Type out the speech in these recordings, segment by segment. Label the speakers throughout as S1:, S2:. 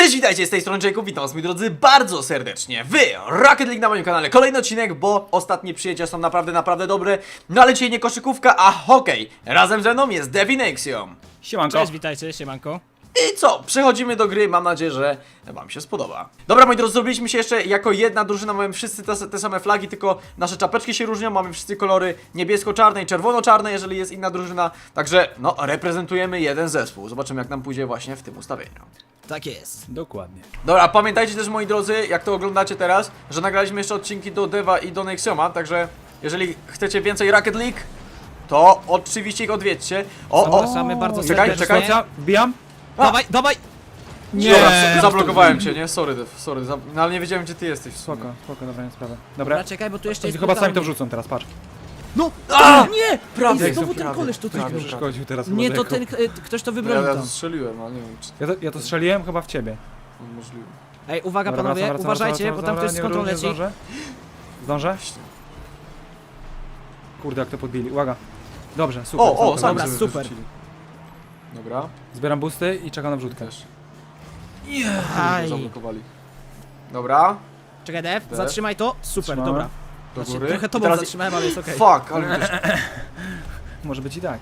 S1: Cześć, witajcie, z tej strony Jacob, witam was moi drodzy bardzo serdecznie w Rocket League na moim kanale. Kolejny odcinek, bo ostatnie przyjęcia są naprawdę dobre. No ale dzisiaj nie koszykówka, a hokej. Razem ze mną jest Dev i Nexium.
S2: Siemanko.
S3: Cześć, witajcie, siemanko.
S1: I co? Przechodzimy do gry, mam nadzieję, że wam się spodoba. Dobra moi drodzy, zrobiliśmy się jeszcze jako jedna drużyna, mamy wszyscy te same flagi, tylko nasze czapeczki się różnią, mamy wszyscy kolory niebiesko-czarne i czerwono-czarne, jeżeli jest inna drużyna. Także, no, reprezentujemy jeden zespół. Zobaczymy jak nam pójdzie właśnie w tym ustawieniu.
S3: Tak jest.
S2: Dokładnie.
S1: Dobra, pamiętajcie też moi drodzy, jak to oglądacie teraz, że nagraliśmy jeszcze odcinki do Deva i do Nexioma, także jeżeli chcecie więcej Rocket League, to oczywiście ich odwiedźcie.
S3: Zapraszamy bardzo
S1: Czekaj,
S3: serdecznie.
S1: czekaj.
S2: Słuchajcie, wbijam?
S3: Dawaj, dawaj!
S2: Nie.
S1: Dobra, zablokowałem cię, nie? Sorry Dev, sorry, no ale nie wiedziałem gdzie ty jesteś w sumie.
S2: Spoko, dobra, nie sprawa.
S3: Dobra,
S2: Dobra.
S3: czekaj, bo tu jeszcze jest...
S2: Chyba sami to
S3: brutalnie.
S2: wrzucą teraz, patrz.
S3: No!
S1: A!
S3: Nie!
S1: Prawie,
S3: Ej, znowu ten
S1: prawie,
S3: koleś tutaj
S1: prawie.
S3: był.
S2: Przeszkodził teraz
S3: Nie, to
S2: chyba
S3: ten, ktoś to
S1: Ja,
S3: wybronił
S1: ja
S3: tam.
S1: to strzeliłem, ale nie wiem czy
S2: Ja to strzeliłem chyba w ciebie.
S1: to możliwe.
S3: Ej, uwaga
S2: Dobra,
S3: panowie,
S2: wracam,
S3: uważajcie,
S2: wracam,
S3: bo tam ktoś z
S2: nie
S3: kontrol
S2: nie
S3: leci.
S2: Zdążę? Zdążę?
S1: Właśnie.
S2: Kurde, jak to podbili. Uwaga. Dobrze, super.
S1: O,
S2: super.
S1: sami
S3: Dobra,
S1: sobie
S3: super.
S1: wyrzucili. Dobra,
S2: Zbieram boosty i czekam na wrzutkę.
S1: też.
S3: Aj.
S1: Zablokowali. Dobra,
S3: Czekaj, Dev,
S1: Dev.
S3: zatrzymaj to. Super,
S2: Trzymamy.
S3: dobra.
S1: do
S3: Znaczy,
S1: góry.
S3: trochę
S1: I
S3: tobą
S1: teraz-
S3: zatrzymałem, ale jest okej.
S1: Fuck, ale mi też...
S2: Może być i tak.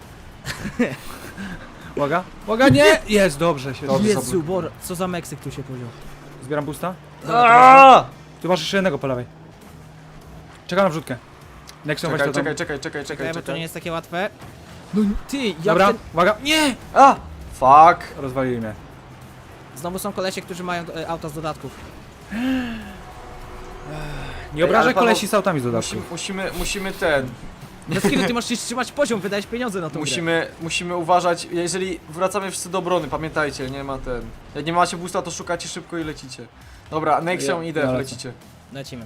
S2: Uwaga. Uwaga, nie! Jest, dobrze się.
S1: Dobrze.
S3: Jezu, Bor, co za Meksyk tu się podział.
S2: Zbieram boosta.
S1: Aaaa!
S2: Tu masz jeszcze jednego po lewej. Czekam na wrzutkę. Next weź to tam.
S1: Czekaj,
S3: Czekaj, bo to nie jest takie łatwe. No ty, jak
S2: Dobra,
S3: ten...
S2: uwaga. Nie!
S1: A! Fuck!
S2: Rozwalili mnie.
S3: Znowu są kolesie, którzy mają auta z dodatków.
S2: Nie obrażaj
S1: ale Paweł,
S2: kolesi z autami z dodatku.
S1: Musimy ten...
S3: Dlaczego ty masz się trzymać poziom, wydajesz pieniądze na to.
S1: Musimy uważać, jeżeli wracamy wszyscy do obrony, pamiętajcie, nie ma ten... Jak nie macie boosta, to szukacie szybko i lecicie. Dobra, Nexium i Dev,
S2: lecę.
S1: lecicie.
S3: Lecimy.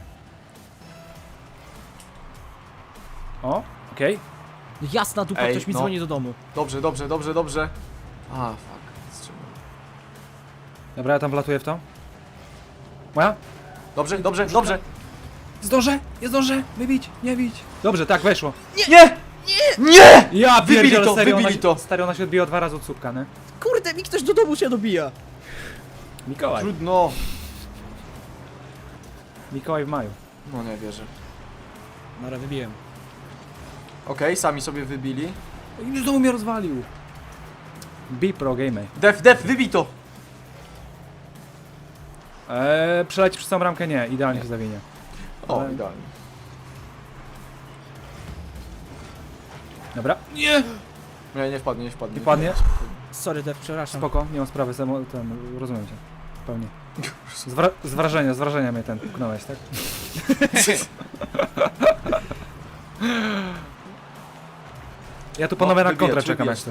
S2: O, okej.
S3: Jasna dupa,
S1: Ej,
S3: ktoś mi
S1: no.
S3: dzwoni do domu.
S1: Dobrze. A, fuck. Wstrzymałem.
S2: Dobra, ja tam wlatuję w to. Moja?
S1: Dobrze.
S2: Zdążę, nie zdążę, wybić, nie bić. Dobrze, tak, weszło.
S1: Nie!
S2: Ja
S1: Wybili
S2: pierdzielę,
S1: to,
S2: serio,
S1: wybili
S2: ona,
S1: to.
S2: Stary, ona się odbiła 2 razy od słupka, nie?
S3: Kurde, mi ktoś do domu się dobija.
S2: Mikołaj.
S1: Trudno.
S2: Mikołaj w maju.
S1: No nie wierzę.
S3: Dobra, wybiłem.
S1: Okej, sami sobie wybili.
S2: Już znowu mnie rozwalił. Be pro gamer.
S1: Dev, wybij to!
S2: Przeleci przez całą ramkę? Nie, idealnie się zawinie.
S1: O,
S2: Ale-
S1: idealnie.
S2: Dobra. Nie!
S1: Nie wpadnie.
S2: Nie padnie?
S3: Sorry, Dev, przepraszam.
S2: Spoko, nie mam sprawy, rozumiem cię. Pełnie. Z wrażenia mnie ten puknąłeś, tak? Ja tu panowie na kontrę czekam jak coś.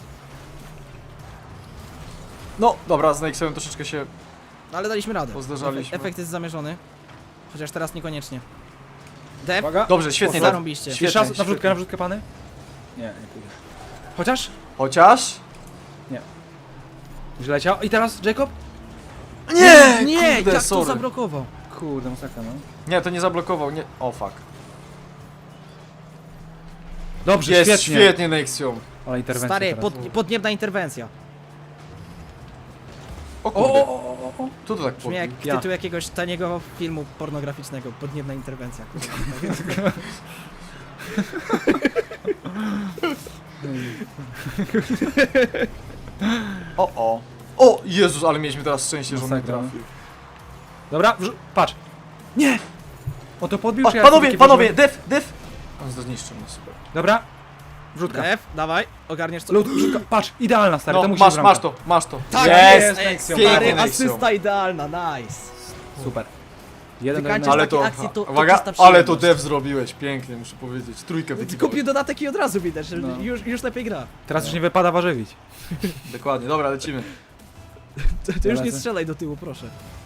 S1: No, dobra, z Nexem troszeczkę się...
S3: No, ale daliśmy radę.
S1: Pozdarzaliśmy.
S3: Efekt jest zamierzony. Chociaż teraz niekoniecznie. Dev,
S2: Uwaga.
S1: Dobrze, świetnie, Dev.
S3: zarąbiście.
S1: Świetnie,
S2: Jeszcze raz
S1: świetnie.
S2: na wrzutkę pany? Nie pójdę. Chociaż?
S1: Chociaż?
S2: Już leciał. I teraz Jacob?
S1: Nie!
S3: Nie,
S1: Kurde,
S3: jak to
S1: sorry.
S3: zablokował?
S2: Kurde, masakra, no.
S1: Nie, to nie zablokował, nie... O, fuck.
S2: Dobrze,
S1: Jest,
S2: świetnie.
S1: świetnie Nexium.
S2: Ale interwencja
S3: Stary,
S2: teraz.
S3: podniebna interwencja.
S1: O kurde.
S2: O.
S1: Tu to tak
S3: Brzmi jak
S2: Ja.
S3: tytuł jakiegoś taniego filmu pornograficznego. Podniebna interwencja.
S1: O. O, Jezus, ale mieliśmy teraz szczęście, że on nie
S2: Masakra, no.
S1: trafił.
S2: Dobra, patrz. Nie! O to podbił,
S1: O,
S2: czy ja
S1: panowie,
S2: taki
S1: panowie, Dev! On zniszczył mnie, super.
S2: Dobra. Wrzutka.
S3: Dev, dawaj, ogarniesz co?
S2: Lód, wrzutka. Patrz, idealna stary, to
S1: No,
S2: musi
S1: masz to.
S3: Tak
S1: Jest!
S3: Ej,
S2: Nexium.
S1: Pięknie,
S3: stary,
S1: Nexium.
S3: asysta idealna, nice.
S2: Super. Jeden do
S3: Wykańczasz
S2: jednego.
S1: Ale
S3: takie
S1: to,
S3: akcje, to
S1: uwaga,
S3: czysta
S1: ale to
S3: przyjemność.
S1: Dev zrobiłeś, pięknie, muszę powiedzieć. Trójkę
S3: Kupił
S1: wykiwałeś.
S3: dodatek i od razu widać, że
S2: No.
S3: już lepiej gra.
S2: Teraz już nie wypada warzywić.
S1: Dokładnie, dobra, lecimy.
S3: To już nie
S2: lecę.
S3: strzelaj do tyłu, proszę.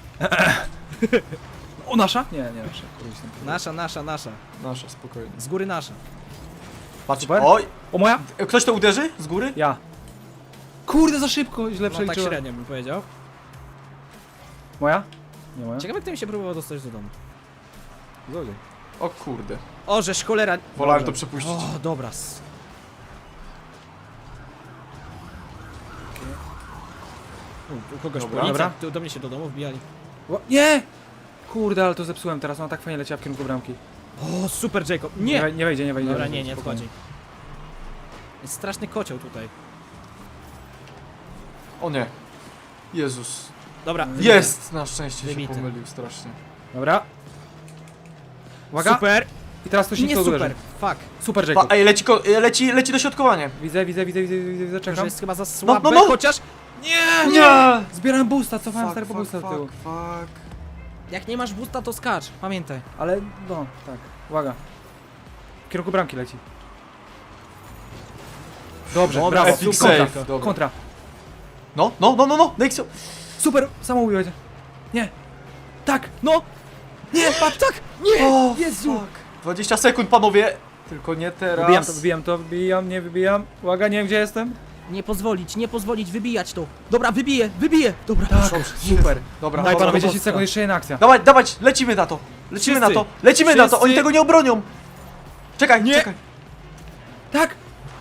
S2: O, nasza? Nie, nasza.
S3: Nasza.
S1: Nasza, spokojnie.
S3: Z góry nasza.
S1: Patrz,
S2: Super.
S1: oj!
S2: O, moja?
S1: Ktoś to uderzy? Z góry?
S2: Ja. Kurde, za szybko, źle
S3: No tak
S2: przeliczyłem.
S3: średnio bym powiedział.
S2: Moja? Nie moja?
S3: Ciekawe, kto mi się próbował dostać do domu.
S2: Złodziej.
S1: O kurde.
S3: O, żeż cholera.
S1: Wolałem
S3: Dobrze.
S1: to przepuścić.
S3: O, dobra. U kogoś
S1: Dobra.
S3: policja,
S2: Dobra.
S3: tu do mnie się do domu wbijali.
S2: Nie! Kurde, ale to zepsułem teraz, ona tak fajnie leciała w kierunku bramki.
S3: O, super Jacob.
S2: Nie,
S3: Nie!
S2: nie wejdzie, nie wejdzie.
S3: Dobra, nie
S2: Spokojnie.
S3: wchodzi. Jest straszny kocioł tutaj.
S1: O nie. Jezus.
S3: Dobra,
S1: Jest! Na szczęście
S3: Wybity.
S1: się pomylił strasznie.
S2: Dobra. Uwaga.
S3: Super!
S2: I teraz ktoś
S3: Nie
S2: nie
S3: super,
S2: uderzy.
S3: fuck.
S2: Super, Jacob.
S1: Ej, leci dośrodkowanie.
S2: Widzę,
S3: Że
S2: czekam.
S3: jest chyba za słabe,
S1: no, no.
S3: chociaż... Nie!
S1: Nie!
S2: Zbieram boosta, cofałem stary po boosta do tyłu.
S1: fuck.
S3: Jak nie masz boosta, to skacz, pamiętaj.
S2: Ale, no, tak. Uwaga. W kierunku bramki leci. Dobrze,
S3: Dobra,
S2: brawo.
S1: epic
S2: Kontra,
S1: save, dobra.
S2: kontra.
S1: No, Nexo.
S2: Super, samobój będzie. Nie. Tak,
S3: No! Nie, patrz, tak! Nie!
S1: O,
S3: Jezu!
S1: fuck. 20 sekund, panowie. Tylko nie teraz.
S2: wybijam, nie wybijam. Uwaga, nie wiem gdzie jestem.
S3: Nie pozwolić wybijać to. Dobra, wybiję! Dobra,
S2: Tak, super.
S1: Dobra,
S2: Daj
S1: dobra,
S2: panowie 10
S1: dobra.
S2: sekund, jeszcze jedna akcja.
S1: Dawać, lecimy na to. Lecimy
S3: Wszyscy.
S1: na to. Lecimy na to,
S3: Wszyscy.
S1: oni tego nie obronią. Czekaj,
S3: Nie.
S1: czekaj.
S2: Tak!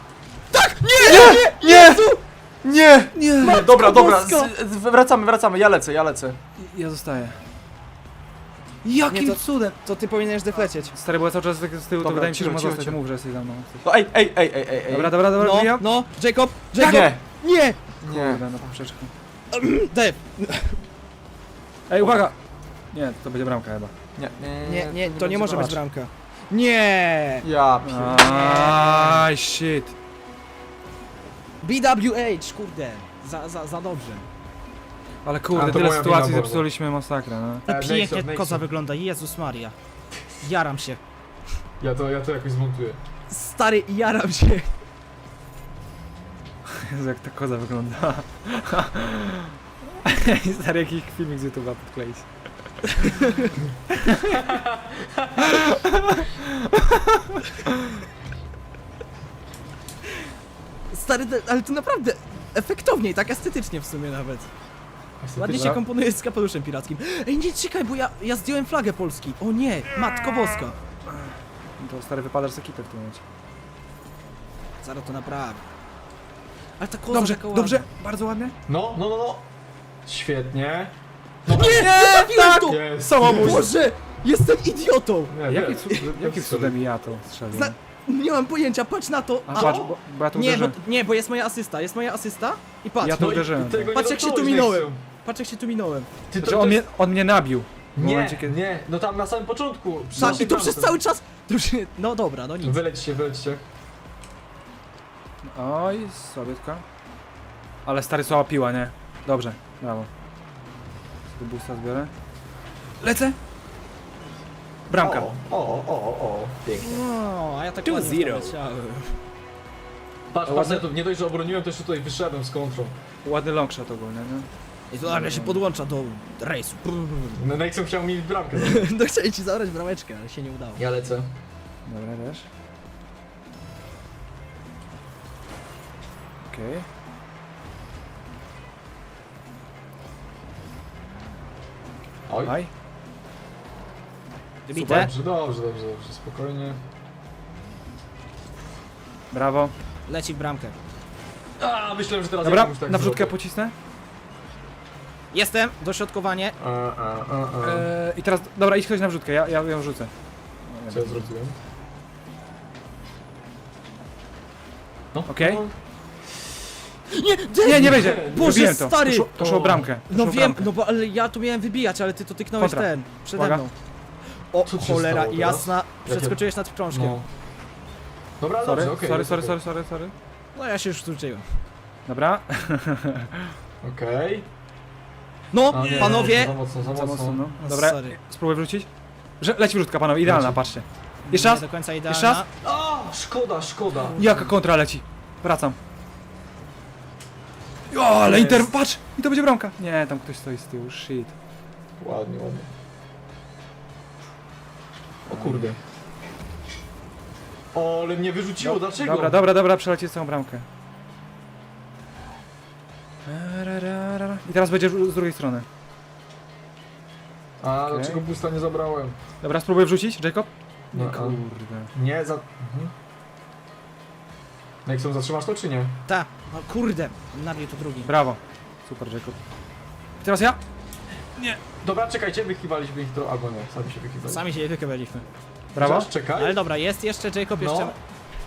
S1: Nie!
S2: Nie!
S1: Dobra,
S3: Boska.
S1: wracamy, ja lecę.
S2: Ja zostaję. Jakim
S3: Nie, to-
S2: cudem?
S3: To ty powinieneś deflecieć.
S2: Stary, bo ja cały czas tak z tyłu, to
S1: Dobra,
S2: wydaje mi się, że
S1: cicho,
S2: może
S1: cicho,
S2: zostać.
S1: cicho.
S2: Mów, że jesteś za mną.
S1: No ej.
S2: Dobra,
S3: No,
S2: wbijam.
S3: no, Jacob!
S1: Nie,
S3: Nie!
S1: nie.
S2: Kurde, na poprzeczkę.
S3: Def!
S2: Ej, uwaga! Nie, to będzie bramka chyba.
S3: Nie, to nie może być
S2: zobacz.
S3: bramka. Nie!
S1: Ja
S2: Aj, shit.
S3: BWH, kurde. Za dobrze.
S2: Ale
S4: A,
S2: kurde,
S4: to
S2: tyle
S4: moja
S2: sytuacji
S4: wina,
S2: zepsuliśmy masakra, no.
S3: Pięknie
S4: Nexo.
S3: koza wygląda, Jezus Maria. Jaram się.
S4: Ja to jakoś zmontuję.
S3: Stary, jaram się.
S2: Jezu, jak ta koza wygląda. Stary, jakiś filmik z YouTube'a podkleić.
S3: Stary, ale to naprawdę efektownie i tak estetycznie w sumie nawet. Ładnie się
S2: Dobra.
S3: komponuje z kapeluszem pirackim. Ej, nie, czekaj, bo ja zdjąłem flagę Polski. O nie, Matko Boska.
S2: No to stary, wypadasz z ekipy w tym momencie.
S3: Zaraz to naprawię. Ale ta koza
S2: Dobrze,
S3: taka ładna.
S2: dobrze, bardzo ładnie.
S4: No. Świetnie.
S3: Nie, tak! To.
S4: Jest.
S3: Samobój. Boże, jestem idiotą.
S4: Nie,
S2: Jakim cudem ja to strzeliłem?
S3: Zna- Nie mam pojęcia, patrz na to.
S2: A patrz, bo ja tu
S3: Nie, bo,
S2: uderzyłem.
S3: nie, bo jest moja asysta i patrz.
S2: Ja to uderzyłem.
S3: Patrz, jak się tu minąłem. Patrz jak się tu minąłem.
S4: Ty
S2: Znaczy on mnie nabił. W
S4: Nie,
S2: momencie, kiedy...
S4: nie, no tam na samym początku.
S3: Tak, i to przez cały czas. To już, no dobra, no nic.
S4: Wylećcie.
S2: Oj, słabiutka. Ale stary, słaba piła, nie? Dobrze, brawo. Tu boosta zbiorę. Lecę! Bramka.
S4: O, pięknie.
S3: No, a ja tak
S2: 2-0.
S3: ładnie w to leciałem.
S4: Patrz, ja tu nie dość, że obroniłem, to jeszcze tutaj wyszedłem z kontrą.
S2: Ładny longshot ogólnie, nie?
S3: I to nagle się podłącza do rejsu.
S4: Nexon chciał mi bramkę.
S3: No chciałem ci zabrać brameczkę, ale się nie udało.
S4: Ja lecę.
S2: Dobra, też. Okej.
S4: Oj.
S2: Aj.
S3: Wybite.
S4: Dobrze, spokojnie.
S2: Brawo.
S3: Leci w bramkę.
S4: A, myślałem, że teraz
S2: Dobra,
S4: ja komuś tak
S2: na wrzutkę
S4: zrobię.
S2: pocisnę.
S3: Jestem, dośrodkowanie.
S2: I teraz, dobra, idź ktoś na wrzutkę, ja ją rzucę.
S4: Co ja zrobiłem? No.
S2: Okej.
S4: no.
S2: Nie wejdzie!
S3: Boże,
S2: Wybiłem to.
S3: stary!
S2: To szło bramkę. To
S3: No
S2: szło
S3: wiem,
S2: bramkę.
S3: no bo ale ja tu miałem wybijać, ale ty to tyknąłeś
S2: Kontra.
S3: ten, przede
S2: Uwaga.
S3: mną. O,
S4: Co ci się
S3: cholera,
S4: stało teraz?
S3: jasna, przeskoczyłeś nad krążkiem.
S4: No. Dobra,
S2: Sorry,
S4: dobrze, okej.
S2: sorry.
S3: No ja się już wróciłem.
S2: Dobra.
S4: Okej.
S3: No,
S4: A, nie,
S3: panowie!
S4: Za mocno.
S2: Za mocno, no.
S3: No,
S2: Dobra,
S3: sorry.
S2: spróbuję wrócić. Leci wrzutka, panowie, idealna,
S4: Leci.
S2: patrzcie. Jeszcze raz.
S3: Nie do końca idealna.
S2: Jeszcze raz.
S4: A, szkoda.
S2: Jaka kontra leci. Wracam. O, ale
S4: Jest.
S2: Inter, patrz! I to będzie bramka. Nie, tam ktoś stoi z tyłu, shit.
S4: Ładnie. O kurde. O, ale mnie wyrzuciło, dlaczego?
S2: Dobra, przelecieć całą bramkę. I teraz będzie z drugiej strony.
S4: A,
S2: Okej.
S4: dlaczego boosta nie zabrałem?
S2: Dobra, spróbuję wrzucić, Jacob?
S4: No,
S2: Nie,
S4: a-
S2: kurde.
S4: Nie, Nexon, zatrzymasz to czy nie?
S3: Ta, no kurde, nabił to drugi.
S2: Brawo. Super, Jacob. Teraz ja?
S4: Dobra, czekajcie, wykiwaliśmy ich trochę, albo nie, sami się wykiwaliśmy.
S3: Sami się wykowaliśmy.
S2: Brawo.
S4: Chociaż czekaj.
S3: Ale dobra, jest jeszcze Jacob,
S4: No.
S3: jeszcze...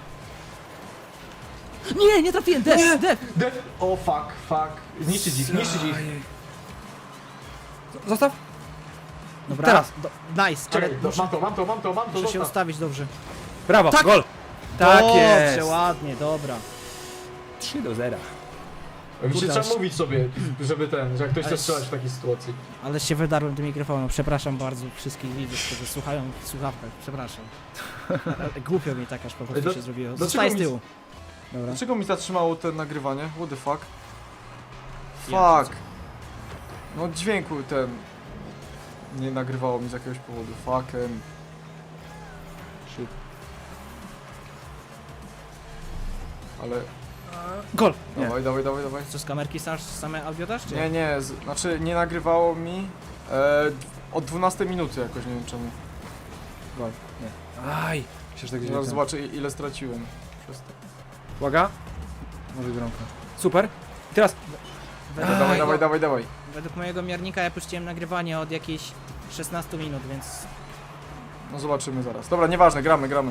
S3: Nie trafiłem, def!
S4: O fuck. Zniszczyć ich.
S2: Ajej. Zostaw.
S3: Dobra,
S2: Teraz.
S3: nice, ale
S4: Czekaj, mam to,
S3: muszę się
S4: zostaw.
S3: ustawić dobrze.
S2: Brawo,
S3: Tak.
S2: gol. Tak
S3: Dobrze,
S2: jest.
S3: ładnie, dobra.
S2: 3-0.
S4: Wiecie,
S3: Kurde,
S4: trzeba mówić sobie, żeby że jak ktoś chce
S3: Ale-
S4: strzelać w takiej sytuacji.
S3: Ale się wydarłem do mikrofonu, przepraszam bardzo wszystkich widzów, którzy słuchają w słuchawkach, przepraszam. Ale głupio mi tak aż po prostu
S4: Ej,
S3: się zrobiło.
S1: dlaczego
S3: Zostaję z
S1: mi-
S3: tyłu.
S2: Dobra.
S1: Dlaczego mi zatrzymało to nagrywanie? What the fuck?
S3: Ja
S1: Fuck. No dźwięku ten... Nie nagrywało mi z jakiegoś powodu. Fucking... Shit. Ale...
S2: Gol. Nie.
S1: Dawaj.
S3: Co z kamerki same audio dasz, czy?
S1: Nie, znaczy nie nagrywało mi od 12 minuty jakoś, nie wiem czemu.
S2: Gol. Nie. Aj. Myślę, że tak
S1: Zaraz
S2: gdzieś.
S1: zobaczę ile straciłem przez to.
S2: Uwaga. Może bramka. Super. I teraz.
S3: Według,
S1: Dawaj.
S3: według mojego miernika ja puściłem nagrywanie od jakichś 16 minut, więc...
S1: No zobaczymy zaraz. Dobra, nieważne, gramy.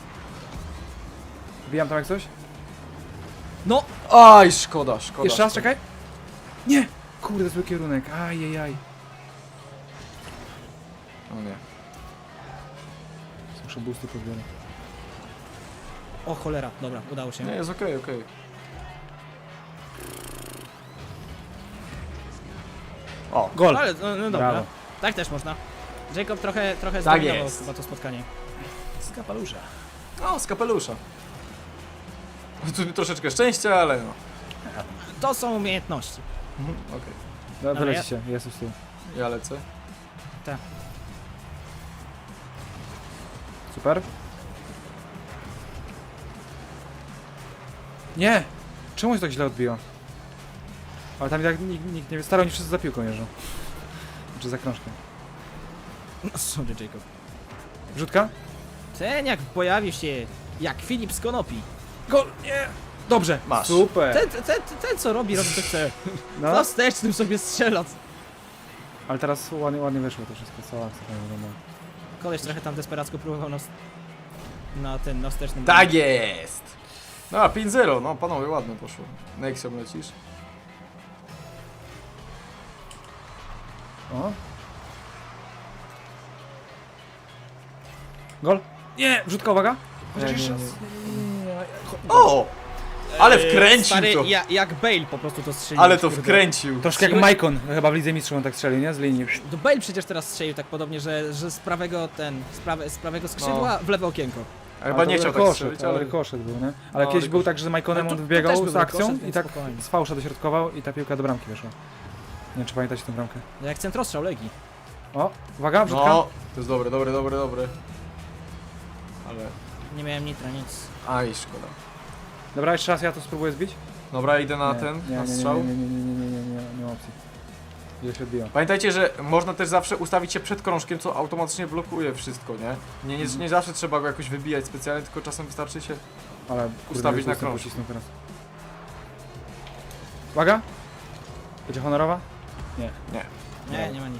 S2: Wbijam tam jak coś.
S3: No!
S1: Aj, szkoda.
S2: Jeszcze raz, czekaj. Nie. Kurde, zły kierunek. Ajajaj.
S1: O nie.
S2: Muszę boosty pozbierać.
S3: O cholera, dobra, udało się.
S1: Nie, jest okej. O,
S2: Gol.
S3: Ale, no dobra,
S2: Brawo.
S3: tak też można. Jacob trochę
S1: Tak
S3: zdominował
S1: jest.
S3: chyba to spotkanie.
S2: Z kapelusza.
S1: o, z kapelusza. Tu troszeczkę szczęścia, ale no.
S3: To są umiejętności.
S1: Okej.
S2: No,
S3: Ale
S2: wyleci
S3: ja-
S2: się. Jest już tu.
S1: Ja lecę.
S2: Super. Nie! Czemu się tak źle odbiło? Ale tam i tak nikt nie wie. Staro, oni wszyscy za piłką jeżdżą. Czy za krążkiem.
S3: No sorry Jacob.
S2: Wrzutka?
S3: Ten jak pojawił się jak Filip z Konopi.
S2: Gol! Nie! Dobrze!
S1: Masz.
S2: Super!
S3: Ten co robi co chce.
S2: No,
S3: Na wstecznym sobie strzela.
S2: ale teraz ładnie wyszło to wszystko. Cała akcja tam wygląda.
S3: Koleś trochę tam desperacko próbował na wstecznym.
S1: Tak jest! No, 5-0, no panowie, ładnie poszło. Nexium lecisz.
S2: O! Gol! Nie! Wrzutka, uwaga!
S1: Nie,
S2: Chociaż
S1: nie,
S2: jeszcze
S1: nie.
S2: raz.
S1: O! Ale wkręcił
S3: Stary,
S1: to!
S3: jak Bale po prostu to strzelił.
S1: Ale to
S3: kurde.
S1: wkręcił!
S2: Troszkę jak Maicon, chyba w Lidze Mistrzów on tak strzelił, nie? Z linii.
S3: To Bale przecież teraz strzelił tak podobnie, że z prawego z prawego skrzydła w lewe okienko.
S1: A chyba nie chciał tak strzelić, ale...
S2: Rykoszet był, nie? Ale
S1: No,
S2: kiedyś był tak, że z Maikonem
S3: Ale
S2: on
S3: to
S2: wybiegał
S3: też był
S2: z akcją
S3: rykoszet,
S2: i
S3: więc
S2: tak
S3: spokojnie.
S2: z fałsza dośrodkował i ta piłka do bramki wyszła. Nie wiem, czy pamiętacie tę bramkę.
S3: Jak centrostrzał Legii.
S2: O, uwaga, wrzutka.
S1: No, to jest dobre. Ale...
S3: Nie miałem nitra, nic.
S1: Aj, szkoda.
S2: Dobra, jeszcze raz ja to spróbuję zbić.
S1: Dobra, idę na
S2: Nie,
S1: ten,
S2: nie,
S1: na
S2: nie,
S1: strzał.
S2: nie ma opcji. Ile się odbiło.
S1: Pamiętajcie, że można też zawsze ustawić się przed krążkiem, co automatycznie blokuje wszystko, nie? Nie zawsze trzeba go jakoś wybijać specjalnie, tylko czasem wystarczy się...
S2: Ale kurde,
S1: Ustawić na
S2: jestem
S1: krążku.
S2: pocisnął teraz. Uwaga! Będzie honorowa? Nie.
S3: Nie ma nic.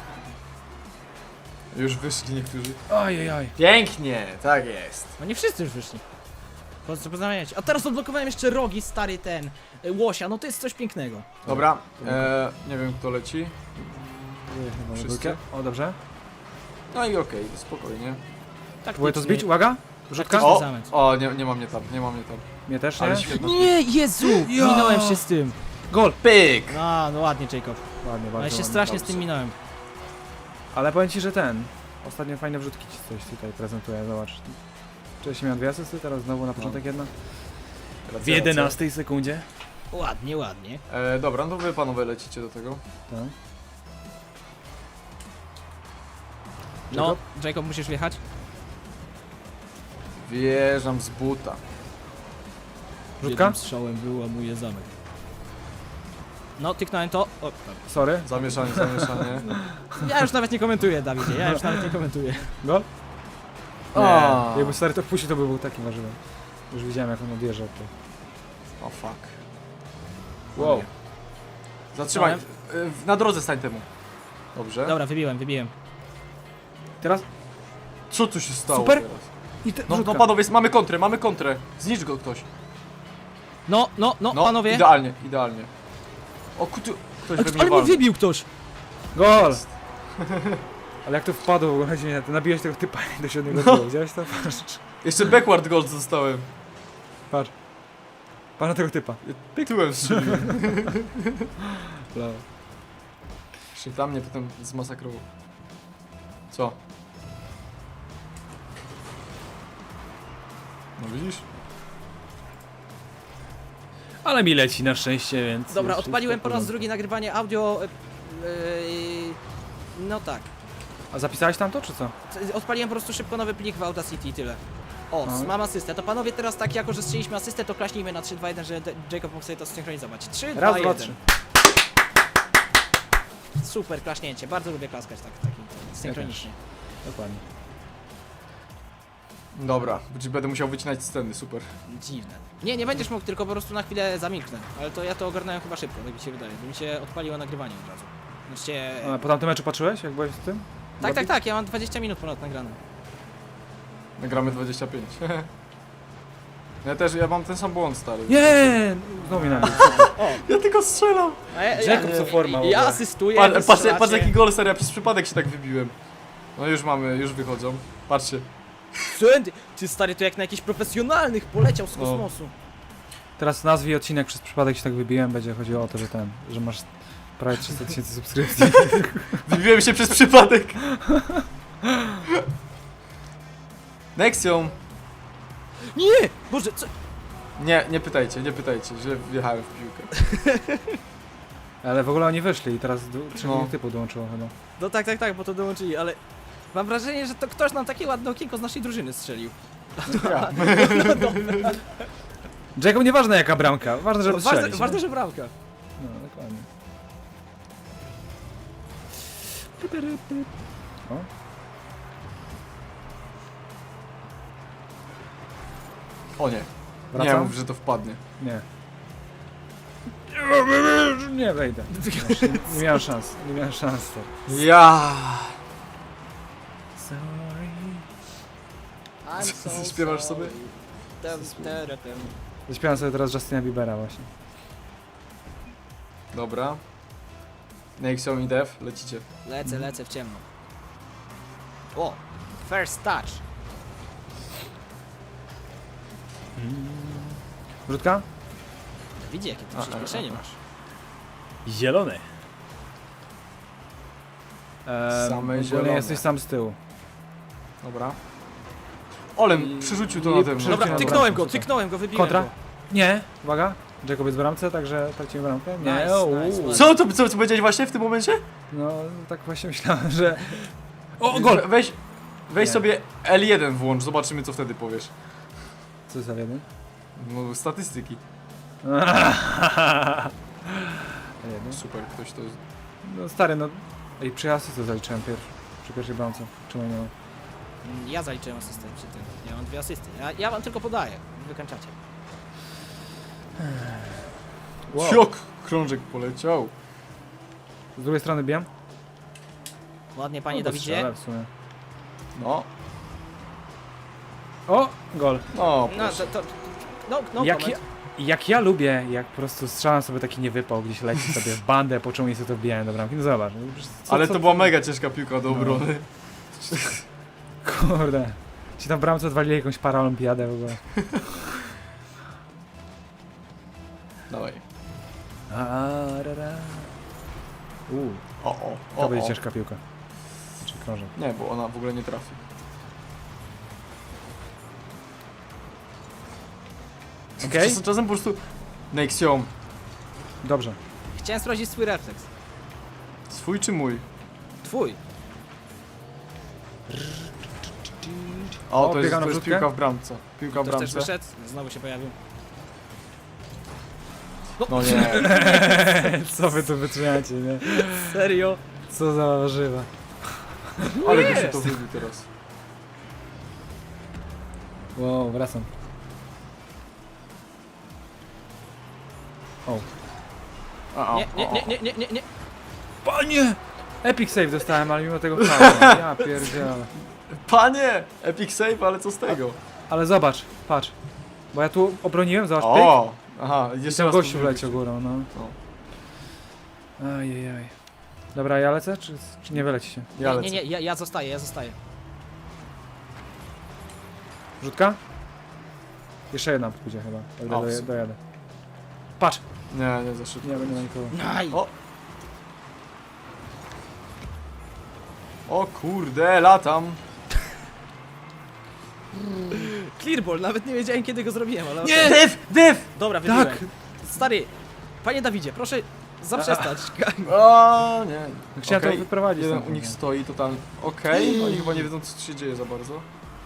S1: Już wyszli niektórzy.
S2: Ojej.
S1: Pięknie, tak jest.
S3: No nie wszyscy już wyszli. Poznajecie. A teraz odblokowałem jeszcze rogi, stary ten łosia, no to jest coś pięknego.
S1: Dobra, nie wiem kto leci. Wszystkie?
S2: O, dobrze.
S1: No i okej, spokojnie.
S3: Tak
S2: Próbuję to zbić, uwaga! Wrzutka?
S3: Taktyczny
S1: O,
S3: zamęt.
S1: o nie ma mnie tam.
S2: Mnie też, nie?
S1: Ale świetna.
S3: Nie, Jezu!
S2: Ja!
S3: Minąłem się z tym.
S2: Gol!
S1: Pyk!
S3: No ładnie Jacob.
S2: Ładnie, bardzo
S3: Ale się
S2: ładnie.
S3: strasznie z
S1: dobrze.
S3: tym minąłem.
S2: Ale powiem ci, że ostatnio fajne wrzutki ci coś tutaj prezentuje, zobacz. Wcześniej miałem 2 asysty, teraz znowu na początek jedna. W 11 sekundzie.
S3: Ładnie, ładnie.
S1: Dobra, no to wy panowie lecicie do tego.
S2: Tak.
S3: No, Jacob musisz wjechać.
S1: Wjeżdżam z buta.
S2: Wrzutka?
S3: Strzałem wyłamuje zamek. No, tyknąłem to. O,
S2: Sorry.
S1: Zamieszanie.
S3: ja już nawet nie komentuję, Dawidzie, ja już nawet nie komentuję.
S2: Gol?
S1: A.
S2: Nie. Jakby stary to wpuścił, to by był takim warzywem. Już widziałem jak on odjeżdżał. To.
S1: O fuck.
S2: Wow.
S1: Zatrzymaj. Na drodze stań temu. Dobrze.
S3: Dobra, wybiłem.
S2: Teraz...
S1: Co tu się stało
S2: Super.
S1: teraz?
S2: I te,
S1: No
S2: wrzutka.
S1: panowie, mamy kontrę. Znicz go ktoś.
S3: No, panowie.
S1: Idealnie. O kutu... Ktoś we mnie
S3: Ale mnie
S1: walnął.
S3: wybił ktoś.
S2: Gol! Ale jak to wpadło, w ogóle chodzi mi na to, nabiłeś tego typa do 7
S1: No.
S2: gola, widziałeś to? Patrz,
S1: Jeszcze backward gold zostałem.
S2: patrz. Patrz na tego typa.
S1: Tyłem strzeliłem.
S2: Brawo.
S1: Jeszcze dla mnie potem zmasakrował. Co? No widzisz?
S2: Ale mi leci na szczęście, więc...
S3: Dobra,
S2: już
S3: odpaliłem
S2: jest
S3: po
S2: w
S3: raz
S2: porządku.
S3: drugi nagrywanie audio. No tak.
S2: A zapisałeś tam to, czy co?
S3: Odpaliłem po prostu szybko nowy plik w Audacity i tyle. O,
S2: No.
S3: mam asystę. To panowie teraz tak, jako że strzeliśmy asystę, to klaśnijmy na 3, 2, 1, że Jacob mógł sobie to zsynchronizować. 3, 2,
S2: Raz,
S3: 1.
S2: dwa, trzy.
S3: Super klaśnięcie. Bardzo lubię klaskać tak synchronicznie.
S2: Dokładnie.
S1: Dobra, będę musiał wycinać sceny, super.
S3: Dziwne. Nie będziesz mógł, tylko po prostu na chwilę zamilknę. Ale to ja to ogarnąłem chyba szybko, tak mi się wydaje. Bo mi się odpaliło nagrywanie od razu. Znaczy,
S2: A po tamtym meczu patrzyłeś, jak byłeś z tym?
S3: tak, ja mam 20 minut ponad nagrane.
S1: Nagramy 25. Ja mam ten sam błąd, stary.
S2: Nie! Znowu mi nabił.
S1: Ja tylko strzelam.
S3: A ja,
S2: Jacob co forma w
S3: ja
S2: ogóle.
S3: asystuję,
S1: Patrz jaki gol, stary, ja przez przypadek się tak wybiłem. No już wychodzą. Patrzcie.
S3: Ty stary, to jak na jakichś profesjonalnych poleciał z
S1: No.
S3: kosmosu.
S2: Teraz nazwij odcinek, przez przypadek się tak wybiłem, będzie chodziło o to, że masz prawie 300 000 subskrypcji.
S1: Wybiłem się przez przypadek. Nexium.
S3: Nie! Boże, co?
S1: Nie pytajcie, że wjechałem w piłkę.
S2: Ale w ogóle oni wyszli i teraz 3
S1: No.
S2: typu dołączyło chyba.
S3: No tak, bo to dołączyli, ale... Mam wrażenie, że to ktoś nam takie ładne okienko z naszej drużyny strzelił.
S1: Ja.
S2: Jacob, nieważne jaka bramka, ważne, żeby strzelić.
S3: Ważne, że bramka.
S2: No, dokładnie. O,
S1: O nie. Nie
S2: wracam?
S1: mów, że to wpadnie.
S2: Nie. Nie wejdę. Nie miałem szans, to.
S1: Ja.
S2: Sorry.
S1: Co, śpiewasz sobie?
S2: Zaśpiewam sobie teraz Justina Biebera właśnie.
S1: Dobra. Nexium i Dev, lecicie.
S3: Lecę w ciemno. O! First touch.
S2: Wrzutka?
S3: Widzi, jakie ty przyspieszenie masz.
S2: Zielony.
S1: Same
S2: ogólnie
S1: zielone.
S2: jesteś sam z tyłu.
S1: Dobra. Olem przerzucił to nade mną.
S2: Dobra,
S3: Dobra, tyknąłem go, wybiłem
S2: Kontra?
S3: go.
S2: Nie, uwaga. Jacob jest w bramce, także tracimy bramkę. Nie,
S3: Nice,
S2: o,
S3: nice,
S2: u.
S3: ładnie.
S1: Co powiedziałeś właśnie w tym momencie?
S2: No, tak właśnie myślałem, że... O, gol!
S1: Weź
S2: Nie.
S1: sobie L1 włącz, zobaczymy co wtedy powiesz.
S2: Co za jeden?
S1: No, statystyki.
S2: Jeden.
S1: Super, ktoś to...
S2: No stary, no... Ej, przy asysty zaliczyłem przy pierwszej bramce. Czemu nie ma?
S3: Ja zaliczyłem asystę przy tym. Ja mam 2 asysty. Ja wam tylko podaję. Wykańczacie.
S1: Ciok! Krążek poleciał.
S2: Z drugiej strony bijem?
S3: Ładnie, panie
S2: No,
S3: Dawidzie.
S2: strzelę w sumie.
S1: No,
S2: O, gol.
S1: no,
S3: No,
S1: proszę.
S3: no,
S2: Jak ja lubię, jak po prostu strzelam sobie taki niewypał, gdzieś leci sobie w bandę, po czemu sobie to wbijają do bramki. No zobacz. no przecież
S1: Ale to była mega ciężka piłka do obrony.
S2: Kurde. Ci tam w bramce odwalili jakąś paraolimpiadę w ogóle.
S1: Dawaj.
S2: To będzie
S1: o.
S2: ciężka piłka. Znaczy krążek.
S1: Nie, bo ona w ogóle nie trafi.
S2: Okej?
S1: Czasem po prostu... Nexium.
S2: Dobrze.
S3: Chciałem sprawdzić swój refleks.
S1: Swój czy mój?
S3: Twój.
S1: O,
S2: O,
S1: to jest
S2: biega na wrzutkę?
S1: piłka w bramce. Piłka w
S3: Ktoś też
S1: bramce.
S3: wyszedł. Znowu się pojawił.
S1: No nie.
S2: Co wy tu wytrzymacie, nie?
S3: Serio?
S2: Co za warzywa.
S1: Ale by się to wybił teraz.
S2: Wow, wracam. O.
S3: Nie.
S2: Panie! Epic save dostałem, ale mimo tego faula. Ja pierdzielę.
S1: Panie! Epic save, ale co z tego?
S2: Ale zobacz, patrz. Bo ja tu obroniłem, zobacz, pyk.
S1: O! Aha,
S2: I
S1: jeszcze
S2: ten
S1: raz
S2: gościu
S1: to
S2: wleciał górą, no. Ajajaj. Dobra, ja lecę, czy nie wyleci się?
S1: Ja lecę.
S3: Nie, ja zostaję.
S2: Rzutka? Jeszcze jedna pójdzie chyba, o ile
S1: O,
S2: dojadę. Patrz!
S1: Nie za szybko.
S2: Nie ma nikogo.
S3: Aj.
S1: O kurde, latam.
S3: Clearball, nawet nie wiedziałem kiedy go zrobiłem, ale...
S2: Nie!
S1: Dyf!
S3: Dobra, wybiłem.
S2: Tak!
S3: Stary, panie Dawidzie, proszę zaprzestać.
S1: O nie.
S2: Chciałem
S1: Okej,
S2: to wyprowadzić.
S1: jeden
S2: stamtąd,
S1: u nich
S2: nie?
S1: stoi totalnie. Okej, oni chyba nie wiedzą co się dzieje za bardzo.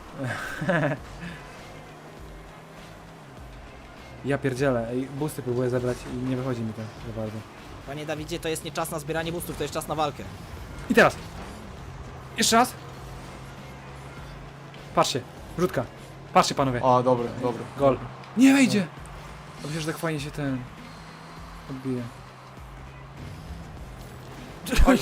S2: Ja pierdzielę, ej, boosty próbuję zebrać i nie wychodzi mi to za bardzo.
S3: Panie Dawidzie, to jest nie czas na zbieranie boostów, to jest czas na walkę.
S2: I teraz! Jeszcze raz! Patrzcie, rzutka. Patrzcie panowie,
S1: O, dobra.
S2: gol. Nie wejdzie! Dobrze, że tak fajnie się ten... odbije.
S1: Oj,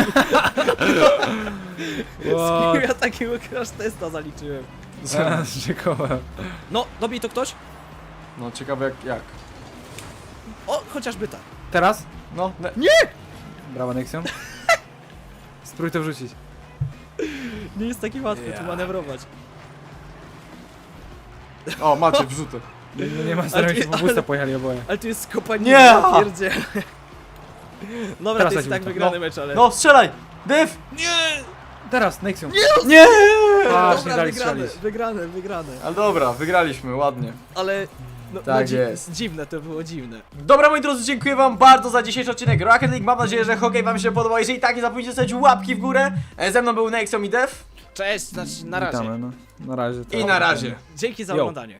S2: What?
S3: Ja takiego crash testa zaliczyłem.
S2: Rzekołem.
S3: No, dobij to ktoś?
S1: No ciekawe jak.
S3: O, chociażby tak.
S2: Teraz?
S1: No,
S2: Brawa Nexion. Spróbuj to wrzucić.
S3: Nie jest taki łatwy tu manewrować.
S1: O, macie wrzutek.
S2: No nie ma starego, bo boosta pojechali oboje.
S3: Ale tu jest skopanie.
S1: Nie!
S3: Ja pierdzielę. Dobra,
S2: Teraz
S3: to jest i tak
S2: lecimy to.
S3: wygrany mecz, ale...
S1: No, strzelaj! Dyf!
S2: Teraz, Nexion.
S1: Nie!
S2: Patrz, nie
S3: Dobra,
S2: dali
S3: wygrane,
S2: strzelić.
S3: wygrane.
S1: Ale dobra, wygraliśmy, ładnie.
S3: Ale... No,
S1: Tak jest.
S3: Dziwne, to było dziwne.
S1: Dobra moi drodzy, dziękuję wam bardzo za dzisiejszy odcinek Rocket League. Mam nadzieję, że hokej wam się podobał. Jeżeli tak, nie zapomnijcie zostawić łapki w górę. Ze mną był Nexion i Dev.
S3: Cześć, znaczy na razie.
S2: Witamy, no. Na razie.
S1: I na razie.
S3: Dzięki za
S2: Yo.
S3: oglądanie.